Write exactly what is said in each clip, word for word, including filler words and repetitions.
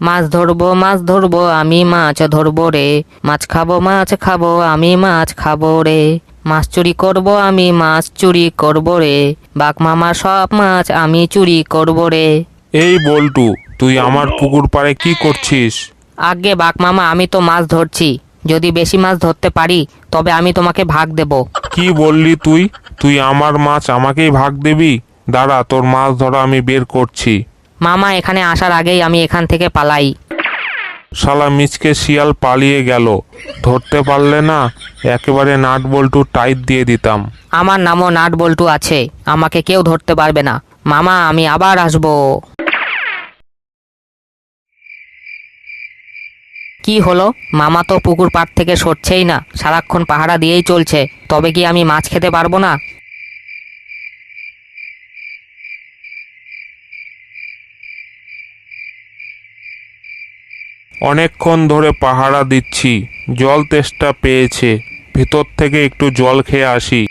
মাছ ধরবো মাছ ধরবো আমি মাছ ধরবো রে, মাছ খাবো মাছ খাবো আমি মাছ খাবো রে, মাছ চুরি করবো আমি মাছ চুরি করবো রে, বাঘ মামার সব মাছ আমি চুরি করবো রে। এই বল্টু, তুই আমার পুকুর পাড়ে কি করছিস? আগে বাঘ মামা, আমি তো মাছ ধরছি, যদি বেশি মাছ ধরতে পারি তবে আমি তোমাকে ভাগ দেব। কি বললি তুই? তুই আমার মাছ আমাকেই ভাগ দিবি? দাঁড়া, তোর মাছ ধরা আমি বের করছি। মামা এখানে আসার আগেই আমি এখান থেকে পালাই। শালা মিচকে শিয়াল পালিয়ে গেল, ধরতে পারলে না একেবারে নাট বল্টু টাইট দিয়ে দিতাম। আমার নামও নাট বল্টু আছে, আমাকে কেউ ধরতে পারবে না। মামা আমি আবার আসবো। কি হলো, মামা তো পুকুর পাড় থেকে সরছেই না, সারাক্ষণ পাহারা দিয়েই চলছে, তবে কি আমি মাছ খেতে পারবো না? অনেকক্ষণ ধরে পাহারা দিচ্ছি, জল তেষ্টা পেয়েছে, ভিতর থেকে একটু জল খেয়ে আসি।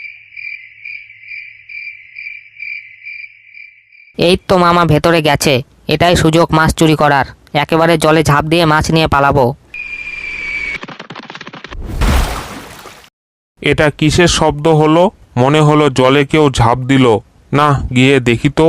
এই তো মামা ভেতরে গেছে, এটাই সুযোগ মাছ চুরি করার, একেবারে জলে ঝাঁপ দিয়ে মাছ নিয়ে পালাবো। এটা কিসের শব্দ হলো? মনে হলো জলে কেউ ঝাঁপ দিল। না, গিয়ে দেখি তো।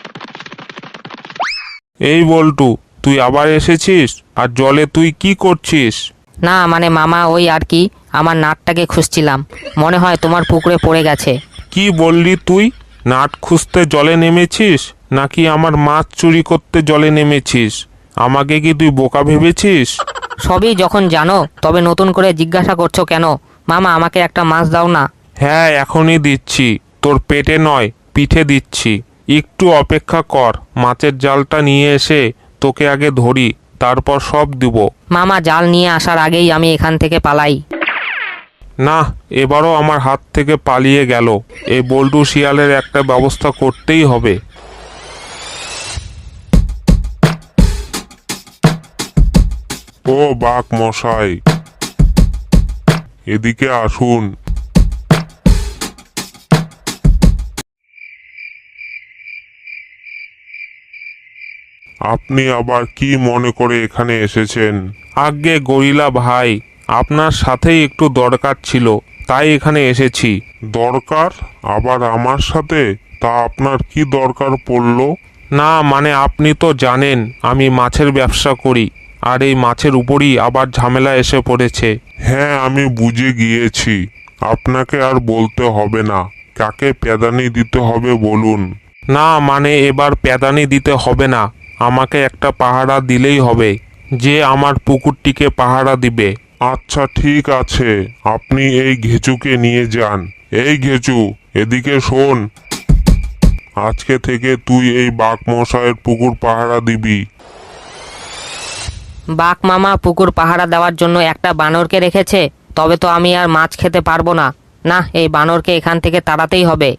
এই বল্টু, তুই আবার এসেছিস? আর জলে তুই কি করছিস? না মানে মামা, ওই আর কি, আমার নাটটাকে খুঁজছিলাম, মনে হয় তোমার পুকুরে পড়ে গেছে। কি বললি তুই? নাট খুঁজতে জলে নেমেছিস নাকি আমার মাছ চুরি করতে জলে নেমেছিস? আমাকে কি তুই বোকা ভেবেছিস? সবই যখন জানো তবে নতুন করে জিজ্ঞাসা করছো কেন? মামা আমাকে একটা মাছ দাও না। হ্যাঁ, এখনই দিচ্ছি, তোর পেটে নয় পিঠে দিচ্ছি। একটু অপেক্ষা কর, মাছের জালটা নিয়ে এসে তোকে আগে ধরি, তারপর সব দিব। মামা জাল নিয়ে আসার আগেই আমি এখান থেকে পালাই। না, এবারও আমার হাত থেকে পালিয়ে গেল। এই বল্টু শিয়ালের একটা ব্যবস্থা করতেই হবে। ও বাঘ মশাই, এদিকে আসুন। আপনি আবার কি মনে করে এখানে এসেছেন? আজ্ঞে গরিলা ভাই, আপনার সাথেই একটু দরকার ছিল, তাই এখানে এসেছি। দরকার? আবার আমার সাথে? তা আপনার কি দরকার পড়ল? না মানে আপনি তো জানেন আমি মাছের ব্যবসা করি, আর এই মাছের উপরই আবার ঝামেলা এসে পড়েছে। হ্যাঁ, আমি বুঝে গিয়েছি, আপনাকে আর বলতে হবে না। কাকে প্যাদানি দিতে হবে বলুন। না মানে এবার প্যাদানি দিতে হবে না, আমাকে একটা পাহারা দিলেই হবে, যে আমার পুকুরটিকে পাহারা দিবে। আচ্ছা ঠিক আছে, আপনি এই ঘেচুকে নিয়ে যান। এই ঘেচু, এদিকে শোন, আজকে থেকে তুই এই বাঘ মশাইয়ের পুকুর পাহারা দিবি। বাঘ মামা পুকুর পাহারা দেওয়ার জন্য একটা বানরকে রেখেছে, তবে তো আমি আর মাছ খেতে পারবো না। না, এই বানরকে এখান থেকে তাড়াতেই হবে।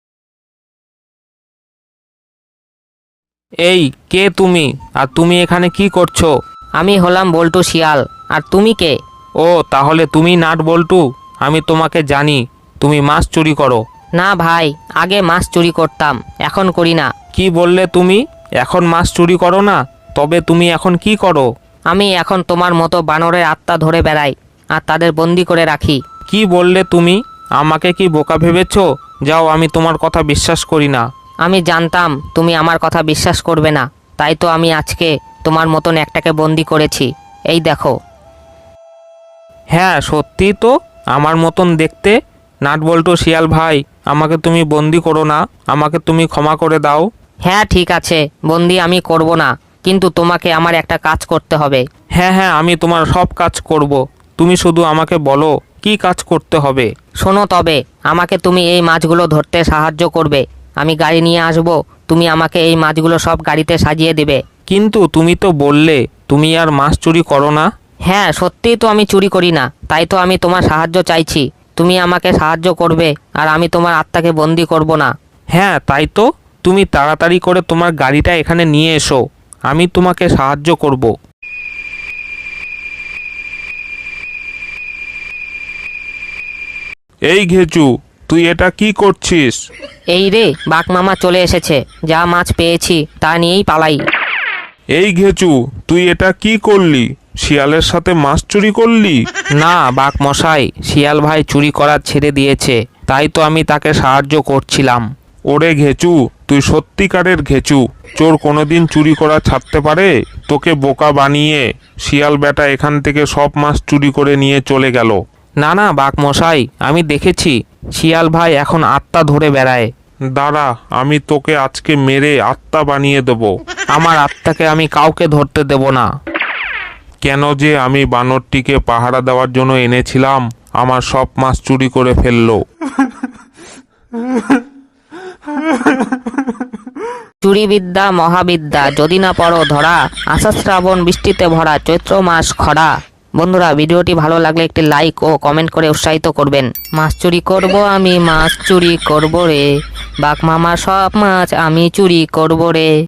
এই কে তুমি? আর তুমি এখানে কি করছো? আমি হলাম বল্টু শিয়াল, আর তুমি কে? ও তাহলে তুমি নাট বল্টু, আমি তোমাকে জানি, তুমি মাছ চুরি করো। না ভাই, আগে মাছ চুরি করতাম, এখন করি না। কি বললে তুমি? এখন মাছ চুরি করো না? তবে তুমি এখন কি করো? আমি এখন তোমার মতো বানরের আত্মা ধরে বেড়াই, আর তাদের বন্দি করে রাখি। কি বললে তুমি? আমাকে কি বোকা ভেবেছো? যাও, আমি তোমার কথা বিশ্বাস করি না। আমি জানতাম তুমি আমার কথা বিশ্বাস করবে না, তাই তো আমি আজকে তোমার মতন একটাকে বন্দি করেছি, এই দেখো। হ্যাঁ সত্যি তো, আমার মতন দেখতে। নাট বল্টু শিয়াল ভাই, আমাকে তুমি বন্দি করো না, আমাকে তুমি ক্ষমা করে দাও। হ্যাঁ ঠিক আছে, বন্দি আমি করব না, কিন্তু তোমাকে আমার একটা কাজ করতে হবে। হ্যাঁ হ্যাঁ, আমি তোমার সব কাজ করব, তুমি শুধু আমাকে বলো কি কাজ করতে হবে। শোনো তবে, আমাকে তুমি এই মাছগুলো ধরতে সাহায্য করবে, আমি গাড়ি নিয়ে আসব, তুমি আমাকে এই মাছগুলো সব গাড়িতে সাজিয়ে দেবে। কিন্তু তুমি তো বললে তুমি আর মাছ চুরি করো না। হ্যাঁ সত্যিই তো আমি চুরি করি না, তাই তো আমি তোমার সাহায্য চাইছি, তুমি আমাকে সাহায্য করবে, আর আমি তোমার আত্মাকে বন্দি করব না। হ্যাঁ তাই তো, তুমি তাড়াতাড়ি করে তোমার গাড়িটা এখানে নিয়ে এসো, আমি তোমাকে সাহায্য করব। এই ঘেচু, তুই এটা কি করছিস? এই রে, বাঘ মামা চলে এসেছে, যা মাছ পেয়েছি তা নিয়েই পালাই। এই ঘেচু, তুই এটা কি করলি? শিয়ালের সাথে মাছ চুরি করলি? না বাঘ মশাই, শিয়াল ভাই চুরি করা ছেড়ে দিয়েছে, তাই তো আমি তাকে সাহায্য করছিলাম। ওরে ঘেচু, তুই সত্যিকারের ঘেচু। চোর কোনোদিন চুরি করা ছাড়তে পারে? তোকে বোকা বানিয়ে শিয়াল বেটা এখান থেকে সব মাছ চুরি করে নিয়ে চলে গেল। না না বাঘ মশাই, আমি দেখেছি শিয়াল ভাই এখন আত্মা ধরে বেড়ায়। দাঁড়া, আমি তোকে আজকে মেরে আত্মা বানিয়ে দেব। আমার আত্মাকে আমি কাউকে ধরতে দেব না। কেন যে আমি বানরটিকে পাহারা দেওয়ার জন্য এনেছিলাম, আমার সব মাছ চুরি করে ফেললো। চুরিবিদ্যা মহাবিদ্যা, যদি না পড়ো ধরা, আষাঢ় শ্রাবণ বৃষ্টিতে ভরা, চৈত্র মাস খরা। বন্ধুরা, ভিডিওটি ভালো লাগলে একটি লাইক ও কমেন্ট করে উৎসাহিত করবেন। মাছ চুরি করব আমি, মাছ চুরি করব রে, বাঘ মামার সব মাছ আমি চুরি করব রে।